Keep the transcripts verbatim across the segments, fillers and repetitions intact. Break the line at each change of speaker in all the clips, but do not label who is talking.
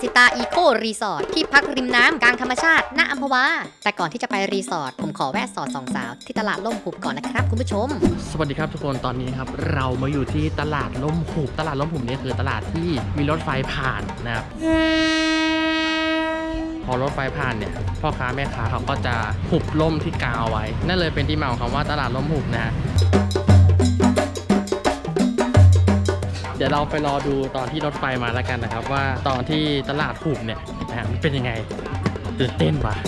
สิตาอีโครีสอร์ทที่พักริมน้ำกลางธรรมชาติณอัมพวาแต่ก่อนที่จะไปรีสอร์ทผมขอแวะสอดสองสาวที่ตลาดล่มหุบก่อนนะครับคุณผู้ชม
สวัสดีครับทุกคนตอนนี้ครับเรามาอยู่ที่ตลาดล่มหุบตลาดล่มหุบนี่คือตลาดที่มีรถไฟผ่านนะครับพอรถไฟผ่านเนี่ยพ่อค้าแม่ค้าเขาก็จะหุบล่มที่กาวไว้นั่นเลยเป็นที่มาของคำว่าตลาดล่มหุบนะฮะเดี๋ยวเราไปรอดูตอนที่รถไฟมาแล้วกันนะครับว่าตอนที่ตลาดหุบเนี่ยนะฮะมันเป็นยังไงตื่นเต้นปะ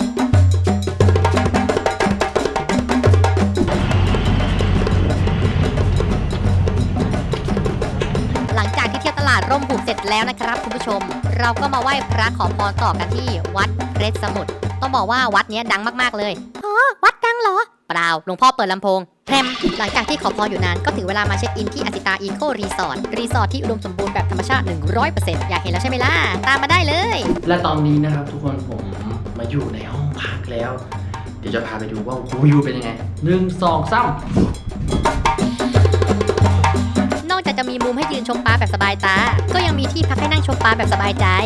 หลังจากที่เที่ยวตลาดร่มหุบเสร็จแล้วนะครับคุณผู้ชมเราก็มาไหว้พระขอพรต่อกันที่วัดเพชรสมุทรต้องบอกว่าวัดนี้ดังมากๆเลยอ๋อวัดดังเหรอเปล่าหลวงพ่อเปิดลำโพงแพรมหลังจากที่ขอพรอยู่นานก็ถึงเวลามาเช็คอินที่อาสิตาอีโครีสอร์ทรีสอร์ทที่อุดมสมบูรณ์แบบธรรมชาติ หนึ่งร้อยเปอร์เซ็นต์ อยากเห็นแล้วใช่ไหมล่ะตามมาได้เลย
และตอนนี้นะครับทุกคนผมมาอยู่ในห้องพักแล้วเดี๋ยวจะพาไปดูว่าวิวเป็นยังไงหนึ่งสองสาม
นอกจากจะมีมุมให้ยืนชมปลาแบบสบายตาก็ยังมีที่พักให้นั่งชมปลาแบบสบายใจ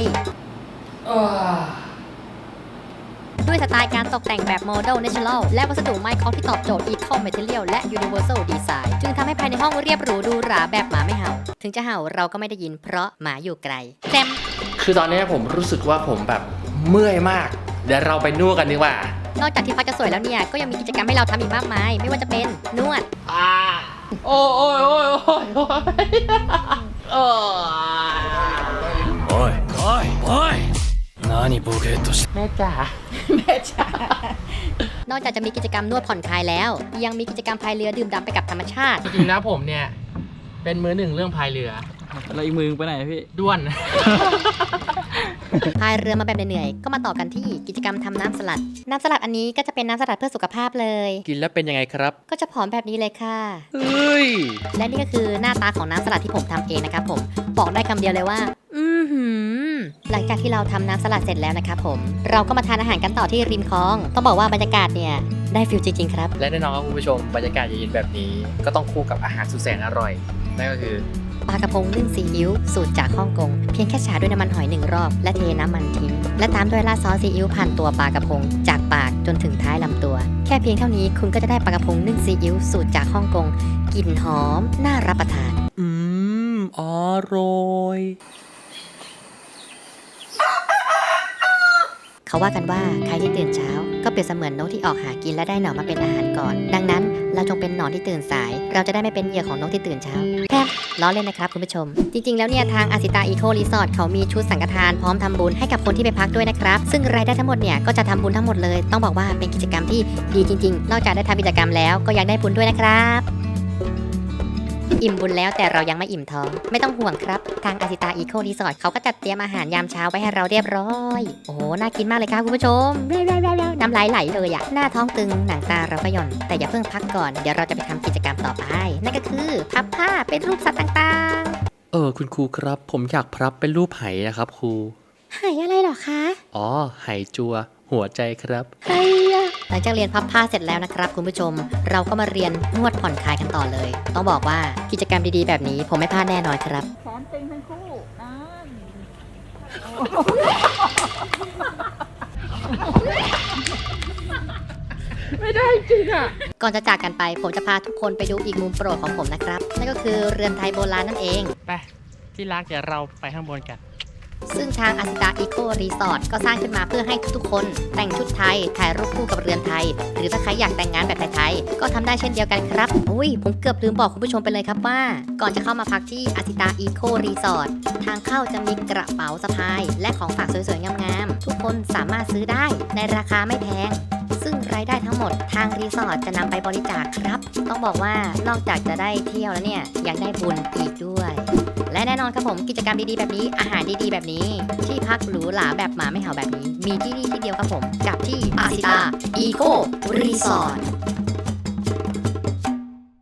ด้วยสไตล์การตกแต่งแบบโมเดลเนเชอรัลและวัสดุไม้เคาะที่ตอบโจทย์ Eco Material และ Universal Design จึงทำให้ภายในห้องเรียบหรูดูหราแบบหมาไม่เห่าถึงจะเห่าเราก็ไม่ได้ยินเพราะหมาอยู่ไกลแซม
คือตอนนี้ผมรู้สึกว่าผมแบบเมื่อยมากเดี๋ยวเราไปนวดกันดีกว่าน
อกจากที่พักจะสวยแล้วเนี่ยก็ยังมีกิจกรรมให้เราทำอีกมากมายไม่ว่าจะเป็นนวด
อ่าโอ้ยโอ้ยโอ้ยโอ้ยโอ้ยโอ้ยโอ้ยโอ้ย何ボケっとしแม่จ๋าแม่จ๋
านอกจากจะมีกิจกรรมนวดผ่อนคลายแล้วยังมีกิจกรรมพายเรือดื่มด่ำไปกับธรรมชาติ
จริงๆนะผมเนี่ยเป็นมือหนึ่งเรื่องพายเรือ
แล้วอีกมือไปไหนพี่
ด้วน
พายเรือมาแบบเหนื่อยๆก็มาต่อกันที่กิจกรรมทำน้ำสลัดน้ำสลัดอันนี้ก็จะเป็นน้ำสลัดเพื่อสุขภาพเลย
กินแล้วเป็นยังไงครับ
ก็จะผอมแบบนี้เลยค่ะ
เฮ้ย
และนี่ก็คือหน้าตาของน้ำสลัดที่ผมทำเองนะครับผมบอกได้คำเดียวเลยว่าอือหือหลังจากที่เราทำน้ำสลัดเสร็จแล้วนะครับผมเราก็มาทานอาหารกันต่อที่ริมคลองต้องบอกว่าบรรยากาศเนี่ยได้ฟิลจริงๆครับ
และแน่นอนครับคุณผู้ชมบรรยากาศเย็นๆแบบนี้ก็ต้องคู่กับอาหารสุดแสนอร่อยนั่นก็คือ
ปลากระพงนึ่งซีอิ๊วสูตรจากฮ่องกงเพียงแค่ฉาด้วยน้ำมันหอยหนึ่งรอบและเทน้ำมันทิ้งและตามด้วยราดซอสซีอิ๊วผ่านตัวปลากระพงจากปากจนถึงท้ายลำตัวแค่เพียงเท่านี้คุณก็จะได้ปลากระพงนึ่งซีอิ๊วสูตรจากฮ่องกงกลิ่นหอมน่ารับประทาน
อืมอร่อย
เขาว่ากันว่าใครที่ตื่นเช้าก็เปรียบเสมือนนกที่ออกหากินและได้หนอนมาเป็นอาหารก่อนดังนั้นเราจงเป็นหนอนที่ตื่นสายเราจะได้ไม่เป็นเหยื่อของนกที่ตื่นเช้าแค่ล้อเล่นนะครับคุณผู้ชมจริงๆแล้วเนี่ยทางอาสิตาอีโครีสอร์ทเขามีชุดสังฆทานพร้อมทำบุญให้กับคนที่ไปพักด้วยนะครับซึ่งรายได้ทั้งหมดเนี่ยก็จะทำบุญทั้งหมดเลยต้องบอกว่าเป็นกิจกรรมที่ดีจริงๆนอกจากได้ทำกิจกรรมแล้วก็ยังได้บุญด้วยนะครับอิ่มบุญแล้วแต่เรายังไม่อิ่มท้องไม่ต้องห่วงครับทางอาสิตาอีโครีสอร์ทเขาก็จัดเตรียมอาหารยามเช้าไว้ให้เราเรียบร้อยโอ้โหน่ากินมากเลยครับคุณผู้ชมน้ำลายไหลเลยอะหน้าท้องตึงหนังตาเราก็หย่อนแต่อย่าเพิ่งพักก่อนเดี๋ยวเราจะไปทำกิจกรรมต่อไปนั่นก็คือพับผ้าเป็นรูปสัตว์ต่าง
ๆเออคุณครูครับผมอยากพับเป็นรูปไหนะครับครู
ไหอะไรหรอคะ
อ๋อไหจัวหัวใจครับ
ไหหลังจากเรียนพับผ้าเสร็จแล้วนะครับคุณผู้ชมเราก็มาเรียนนวดผ่อนคลายกันต่อเลยต้องบอกว่ากิจกรรมดีๆแบบนี้ผมไม่พลาดแน่นอนครับ
แขนตึงทั้งคู่นั่นไม่ได้จริงอ่ะ
ก่อนจะจากกันไปผมจะพาทุกคนไปดูอีกมุมโปรดของผมนะครับนั่นก็คือเรือนไทยโบราณนั่นเอง
ไปที่รักเดี๋ยวเราไปข้างบนกัน
ซึ่งทางอาสิตาอีโครีสอร์ทก็สร้างขึ้นมาเพื่อให้ทุกๆคนแต่งชุดไทยถ่ายรูปคู่กับเรือนไทยหรือถ้าใครอยากแต่งงานแบบไทยๆก็ทำได้เช่นเดียวกันครับอุ้ยผมเกือบลืมบอกคุณผู้ชมไปเลยครับว่าก่อนจะเข้ามาพักที่อาสิตาอีโครีสอร์ททางเข้าจะมีกระเป๋าสะพายและของฝากสวยๆงามๆทุกคนสามารถซื้อได้ในราคาไม่แพงซึ่งรายได้ทั้งหมดทางรีสอร์ทจะนำไปบริจาคครับต้องบอกว่านอกจากจะได้เที่ยวแล้วเนี่ยยังได้บุญอีกด้วยและแน่นอนครับผมกิจกรรมดีๆแบบนี้อาหารดีๆแบบนี้ที่พักหรูหราแบบหมาไม่เห่าแบบนี้มีที่นี่ที่เดียวครับผมกับที่อาสิตาอีโครีสอร์ท